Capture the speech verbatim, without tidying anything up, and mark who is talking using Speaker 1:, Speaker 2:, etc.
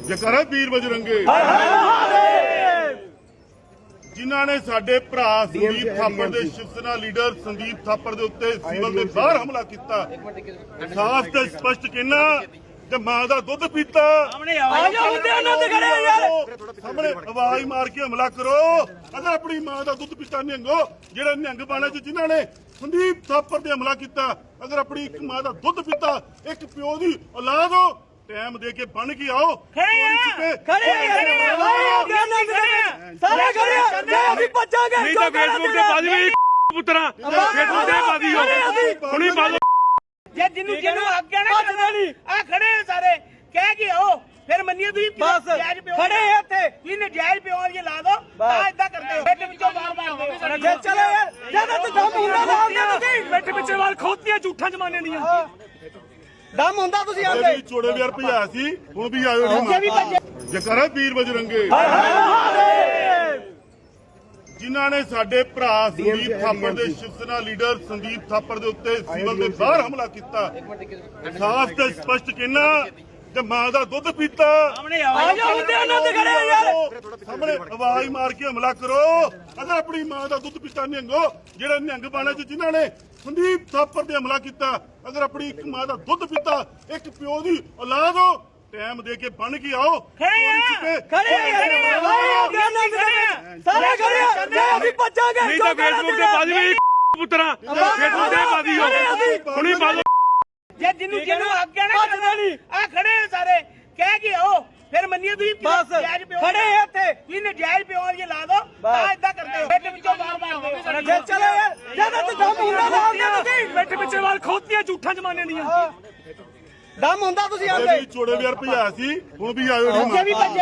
Speaker 1: ਜਕਰਾ ਵੀਰ ਬਜਰੰਗੇ ਜਿਨ੍ਹਾਂ ਨੇ ਸਾਡੇ ਭਰਾ ਸੰਦੀਪ ਥਾਪੜ ਦੇ ਸ਼ਿਵ ਸੈਨਾ ਲੀਡਰ ਸੰਦੀਪ ਥਾਪੜ ਦੇ ਉੱਤੇ ਸਿਵਲ ਦੇ ਬਾਹਰ ਹਮਲਾ ਕੀਤਾ। ਸਾਫ਼ ਤੇ ਸਪਸ਼ਟ ਕਹਿਣਾ ਕਿ ਮਾਂ ਦਾ ਦੁੱਧ ਪੀਤਾ ਸਾਹਮਣੇ ਆਵਾਜ਼ ਮਾਰ ਕੇ ਹਮਲਾ ਕਰੋ। ਅਗਰ ਆਪਣੀ ਮਾਂ ਦਾ ਦੁੱਧ ਪੀਤਾ ਨਿਹੰਗੋ ਜਿਹੜਾ ਨਿਹੰਗ ਬਾਣਾ ਚ ਜਿਨ੍ਹਾਂ ਨੇ ਸੰਦੀਪ ਥਾਪੜ ਤੇ ਹਮਲਾ ਕੀਤਾ, ਅਗਰ ਆਪਣੀ ਇੱਕ ਮਾਂ ਦਾ ਦੁੱਧ ਪੀਤਾ, ਇੱਕ ਪਿਓ ਦੀ ਔਲਾਦ ਹੋ, ਟਾਈਮ ਦੇ ਕੇ ਬਣ ਕੇ ਆਓ।
Speaker 2: ਖੜੇ ਖੜੇ ਸਾਰੇ ਖੜੇ ਅਸੀਂ ਭੱਜਾਂਗੇ
Speaker 3: ਨਹੀਂ ਤਾਂ ਫੇਸਬੁੱਕ ਤੇ ਪਾ ਦੇਵੇ ਪੁੱਤਰਾ ਫੇਸਬੁੱਕ ਤੇ ਪਾ ਦਿਓ ਹੁਣੀ ਪਾ ਦੋ
Speaker 2: ਜੇ ਜਿੰਨੂੰ ਜਿੰਨੂੰ ਆਗਿਆ ਨਾ ਆ ਖੜੇ ਸਾਰੇ ਕਹਿ ਕੇ ਆਓ ਫਿਰ ਮੰਨੀਏ ਤੁਸੀਂ ਨਜਾਇਜ਼ ਪਿਓ ਖੜੇ ਇੱਥੇ ਤੁਸੀਂ ਨਜਾਇਜ਼ ਪਿਓ ਇਹ ਲਾ ਦੋ ਆ ਇਦਾਂ ਕਰਦੇ ਹੋ ਬੈਠ ਵਿੱਚੋਂ ਬਾਹਰ ਮਾਰਦੇ ਜੇ ਚਲੋ ਯਾਰ ਜਦੋਂ ਤੇ ਦਮ ਹੁੰਦਾ ਨਾ ਤੁਸੀਂ
Speaker 3: ਬੈਠ ਪਿੱਛੇ ਵਾਲ ਖੋਤੀਆਂ ਝੂਠਾਂ ਜਮਾਨੇ ਦੀਆਂ
Speaker 2: ਦਮ ਹੁੰਦਾ ਤੁਸੀਂ ਆਂਦੇ
Speaker 1: ਚੋੜੇ ਵਿਆਰ ਭਜਾ ਸੀ ਹੁਣ ਵੀ ਆਇਓ ਜਕਰਾ ਵੀਰ ਬਜਰੰਗੇ ਜਿਨ੍ਹਾਂ ਨੇ ਸਾਡੇ ਭਰਾ ਸੰਦੀਪ ਥਾਪੜ ਦੇ ਸ਼ਿਵ ਸੈਨਾ ਲੀਡਰ ਸੰਦੀਪ ਥਾਪੜ ਦੇ ਉੱਤੇ ਸਿਵਲ ਦੇ ਬਾਹਰ ਹਮਲਾ ਕੀਤਾ। ਸਾਫ਼ ਤੇ ਸਪਸ਼ਟ ਕਹਿਣਾ ਕਿ ਮਾਂ ਦਾ ਦੁੱਧ ਪੀਤਾ ਸਾਹਮਣੇ ਆਵਾਜ਼ ਮਾਰ ਕੇ ਹਮਲਾ ਕਰੋ। ਅਗਰ ਆਪਣੀ ਮਾਂ ਦਾ ਦੁੱਧ ਪੀਤਾ ਨਿਹੰਗੋ ਜਿਹੜਾ ਨਿਹੰਗ ਬਾਣਾ ਚ ਜਿਨ੍ਹਾਂ ਨੇ ਸੰਦੀਪ ਥਾਪੜ ਤੇ ਹਮਲਾ ਕੀਤਾ, ਅਗਰ ਆਪਣੀ ਇੱਕ ਮਾਂ ਦਾ ਦੁੱਧ ਪੀਤਾ, ਇੱਕ ਪਿਓ ਦੀ ਔਲਾਦ ਹੋ, ਟਾਈਮ ਦੇ ਕੇ ਬਣ ਕੇ ਆਓ।
Speaker 2: ਖੜੇ ਖੜੇ ਸਾਰੇ ਖੜੇ ਅਸੀਂ ਭੱਜਾਂਗੇ
Speaker 3: ਨਹੀਂ ਤਾਂ ਫੇਸਬੁੱਕ ਤੇ ਪਾ ਦੇਵੇ ਪੁੱਤਰਾ ਫੇਸਬੁੱਕ ਤੇ ਪਾ ਦਿਓ ਹੁਣੀ ਪਾ ਦੋ
Speaker 2: ਜੇ ਜਿੰਨੂੰ ਜਿੰਨੂੰ ਆਗਿਆ ਨਾ ਆ ਖੜੇ ਸਾਰੇ ਕਹਿ ਕੇ ਆਓ ਫਿਰ ਮੰਨੀਏ ਤੁਸੀਂ ਨਜਾਇਜ਼ ਪਿਓ ਖੜੇ ਇੱਥੇ ਤੁਸੀਂ ਨਜਾਇਜ਼ ਪਿਓ ਇਹ ਲਾ ਦੋ ਆ ਇਦਾਂ ਕਰਦੇ ਹੋ ਬੈਠ ਵਿੱਚੋਂ ਬਾਹਰ ਮਾਰਦੇ ਜੇ ਚਲੋ ਯਾਰ ਜਦੋਂ ਤੇ ਦਮ ਹੁੰਦਾ ਨਾ ਤੁਸੀਂ
Speaker 3: ਬੈਠ ਪਿੱਛੇ ਵਾਲ ਖੋਤੀਆਂ ਝੂਠਾਂ ਜਮਾਨੇ ਦੀਆਂ
Speaker 2: ਦਮ ਹੁੰਦਾ ਤੁਸੀਂ ਆਂਦੇ
Speaker 1: ਚੋੜੇ ਵਿਆਰ ਭਜਾ ਸੀ ਹੁਣ ਵੀ ਆਇਓ।